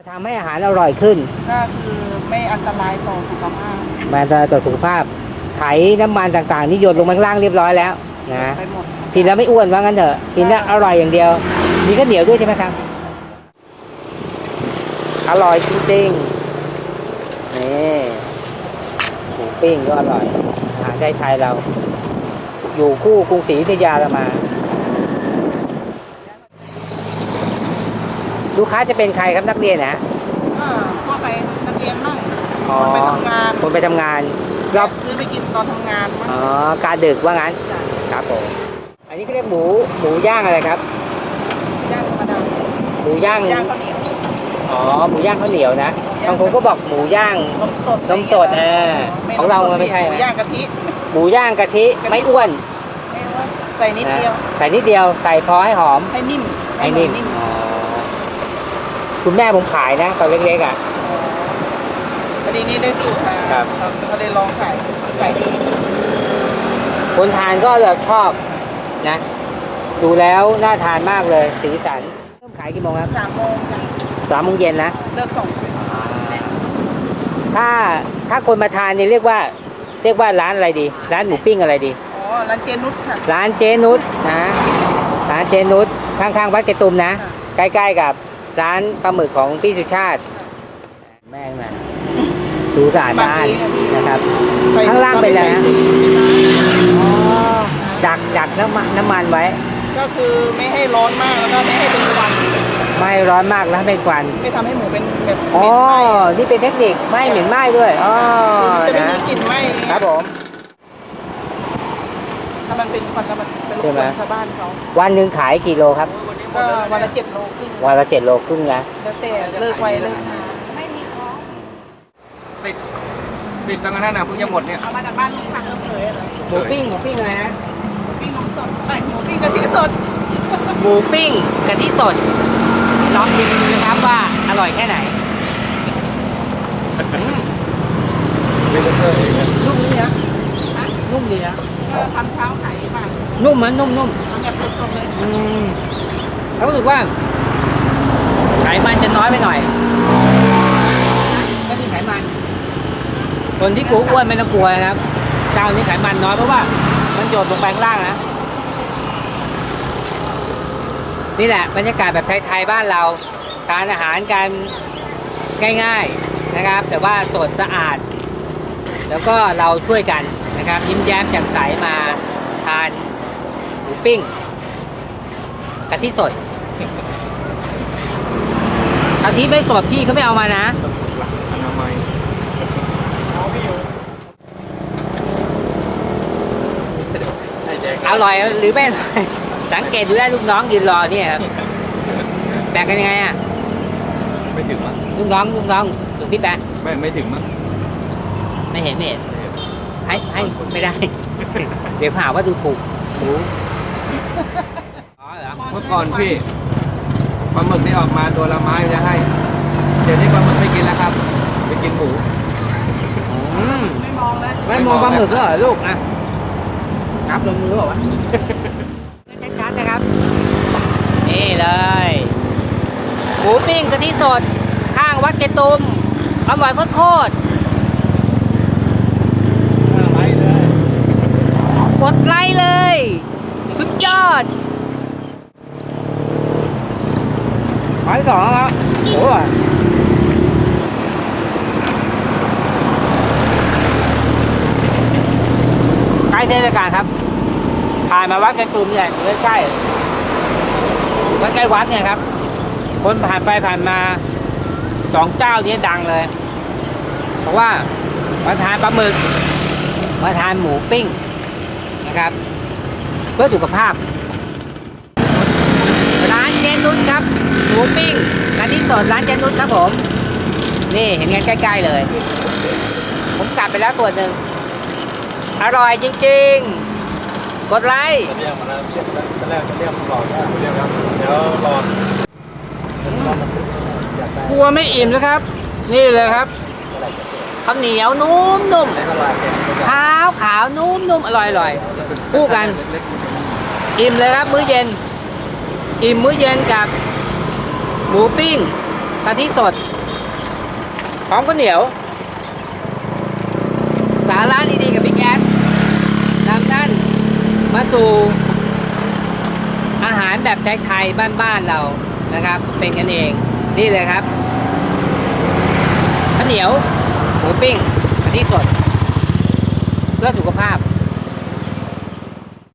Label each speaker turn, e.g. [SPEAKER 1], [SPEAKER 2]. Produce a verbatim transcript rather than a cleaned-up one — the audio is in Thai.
[SPEAKER 1] ทำให้อาหารอร่อยขึ้น
[SPEAKER 2] ก็คือไม่อันตรายต่อสุขภาพ
[SPEAKER 1] ไม่อันตรายต่อสุขภาพไขน้ำมันต่างๆนี่หยดลงมาข้างล่างเรียบร้อยแล้วนะกินแล้วไม่อ้วนว่างั้นเถอะกินแล้วอร่อยอย่างเดียวมีข้าวเหนียวด้วยใช่ไหมครับอร่อยจริงๆนี่หมูปิ้งก็อร่อยอาหารไทยๆเราอยู่คู่กรุงศรีอยุธยาเรามาลูกค้าจะเป็นใครครับนักเรียนนะ
[SPEAKER 2] ก็ทั่วไปนักเรียนมั่งคนไปทำงาน
[SPEAKER 1] คนไปทำงาน
[SPEAKER 2] รอบซื้อไปกินตอนทำงานมั่ง
[SPEAKER 1] อ๋อการดึกว่างั้นครับผมอันนี้เขาเรียกหมูหมูย่างอะไรครับ
[SPEAKER 2] ย่างธรรมดา
[SPEAKER 1] หมูย่าง
[SPEAKER 2] ย่างข้าวเหนียว
[SPEAKER 1] อ๋อหมูย่างข้าวเหนียวนะบางคนก็บอกหมูย่าง
[SPEAKER 2] นมสด
[SPEAKER 1] นมสดอ่าของเราไม่ใช่
[SPEAKER 2] หมูย่างกะทิ
[SPEAKER 1] หมูย่างกะทิไม่อ้วน
[SPEAKER 2] ใส่นิดเดียว
[SPEAKER 1] ใส่นิดเดียวใส่พอให้หอม
[SPEAKER 2] ให้นิ่ม
[SPEAKER 1] ให้นิ่มคุณแม่ผมขายนะตอนเล็กๆอ่ะ
[SPEAKER 2] พอดีนี้ได้สูตรมาครับก็เลยลองขายขายดี
[SPEAKER 1] คนทานก็จะชอบนะดูแล้วน่าทานมากเลยสีสันเริ่มขายกี่โมงครับ
[SPEAKER 2] สามโมงจ้ะ
[SPEAKER 1] สามโมงเย็นนะ
[SPEAKER 2] เลิกส่ง
[SPEAKER 1] ถ้าถ้าคนมาทานเนี่ยเรียกว่าเรียกว่าร้านอะไรดีร้านหมูปิ้งอะไรดี
[SPEAKER 2] อ๋อร้านเจนุชค่ะ
[SPEAKER 1] ร้านเจนุชนะร้านเจนุชข้างๆวัดเกตุมนะใกล้ๆกับร้านปลาหมึกของพี่สุชาติแม่งนะดูสะอาดบ้านนะครับข้างล่างเป็นอะไรนะดักดักน้ำมันน้ำมันไว้
[SPEAKER 2] ก็คือไม่ให้ร้อนมากแล้วก็ไม่ให้เป็นควัน
[SPEAKER 1] ไม่ร้อนมากแล้วเป็นควัน
[SPEAKER 2] ไม่ทำให้หมูเป็นแบบ
[SPEAKER 1] อ๋อนี่เป็นเทคนิคไม่เหม็นไหม้ด้วยอ๋อ
[SPEAKER 2] จะไม่มีกลิ่นไหม้
[SPEAKER 1] ครับผม
[SPEAKER 2] ถ้ามันเป็นควันแล้วมันเป็นรบกวนชาวบ้านเขา
[SPEAKER 1] วันหนึ่งขายกี่โลครับ
[SPEAKER 2] ก็วันละเจ็ดโลครึ่ง
[SPEAKER 1] วันละเจ็ดโลครึ่งนะ
[SPEAKER 2] แล้วแต่เลิกไวเลิกช้าไม่มีของ
[SPEAKER 3] ติดติดตั้งนั้นนะเพิ่งจะหมดเนี่ย
[SPEAKER 2] เอามาจากบ้านลุงพันเริ่มเลย
[SPEAKER 1] หมูปิ้งหมูปิ้งอะไรนะ
[SPEAKER 2] หมูปิ้งนมสดไอหมูปิ้งกะทิสด
[SPEAKER 1] หมูปิ้งกะทิสดลองชิมดูนะครับว่าอร่อยแค่ไหนนุ่มดีนะนุ่มดีนะ
[SPEAKER 2] ทำเช้าขายบ้าง
[SPEAKER 1] นุ่มมันนุ่มนุ่ม
[SPEAKER 2] ทำแบบสดๆเลย
[SPEAKER 1] เขารู้สึกว่าไขมันจะน้อยไปหน่อยไม่มีไขมันคนที่กลัวอ้วนไม่ต้องกลัวนะครับเจ้านี้ไขมันน้อยเพราะว่ามันโยดลงไปข้างล่างนะนี่แหละบรรยากาศแบบไทยๆบ้านเราทานอาหารกันง่ายๆนะครับแต่ว่าสดสะอาดแล้วก็เราช่วยกันนะครับยิ้มแย้มแจ่มใสมาทานหมูปิ้งกะทิสดกะทิไม่สดพี่เขาไม่เอามานะอร่อยหรือไม่อร่อยสังเกตดูได้ลูกน้องยืนรอเนี่ยครับแบกกันยังไงอ่ะ
[SPEAKER 3] ไม่ถึงมั้ง
[SPEAKER 1] ลูกน้องลูกน้องถูกพี่แปะ
[SPEAKER 3] ไม่ไม่ถึงมั้ง
[SPEAKER 1] ไม่เห็นไม่เห็นให้ให้ไม่ได้เดี๋ยวหาว่าดูถูกหมูอ๋อเหรอ
[SPEAKER 3] เมื่อก่อนพี่ปลาหมึกนี่ออกมาตัวละไม้จะให้เดี๋ยวนี้ปลาหมึกไม่กินแล้วครับไปกินหมู
[SPEAKER 2] ไม่มองเลย
[SPEAKER 1] ไม่มองปลาหมึกก็เหรอลูกอ่ะนับลงมือบอกว่าชัดๆนะครับนี่เลยหมูปิ้งกะทิสดข้างวัดเกตุมอร่อยโคตรกดไลค์เลยสุดยอดไปต่อครับโอ้ยใกล้เทศกาลครับผ่านมาวัดกระตุ้มเนี่ยใกล้ๆใกล้ๆวัดเนี่ยครับคนผ่านไปผ่านมาสองเจ้านี้ดังเลยเพราะว่ามาทานปลาหมึกมาทานหมูปิ้งนะครับเพื่อสุขภาพร้านเจนุชครับหมูปิ้งร้านที่สดร้านเจนุชครับผมนี่เห็นกันใกล้ๆเลยผมกลับไปแล้วตัวหนึ่งอร่อยจริงๆกดไลค์
[SPEAKER 3] เรียกมาแล้วเรียกตอนแรกเรียกรอเรียกครับเดี๋ยวรอก
[SPEAKER 1] ลัวไม่อิ่มนะครับนี่เลยครับข้าวเหนียวนุ่มนุ่มขาวขาวนุ่มนุ่มอร่อยอร่อยคู่กันอิ่มเลยครับมื้อเย็นอิ่มมื้อเย็นกับหมูปิ้งกะทิสดพร้อมข้าวเหนียว สาระดีๆกับพี่แก๊สนำท่านมาสู่อาหารแบบไทยๆบ้านๆเรานะครับ เป็นกันเองนี่เลยครับข้าวเหนียวหมูปิ้งอันนี้สดเพื่อสุขภาพ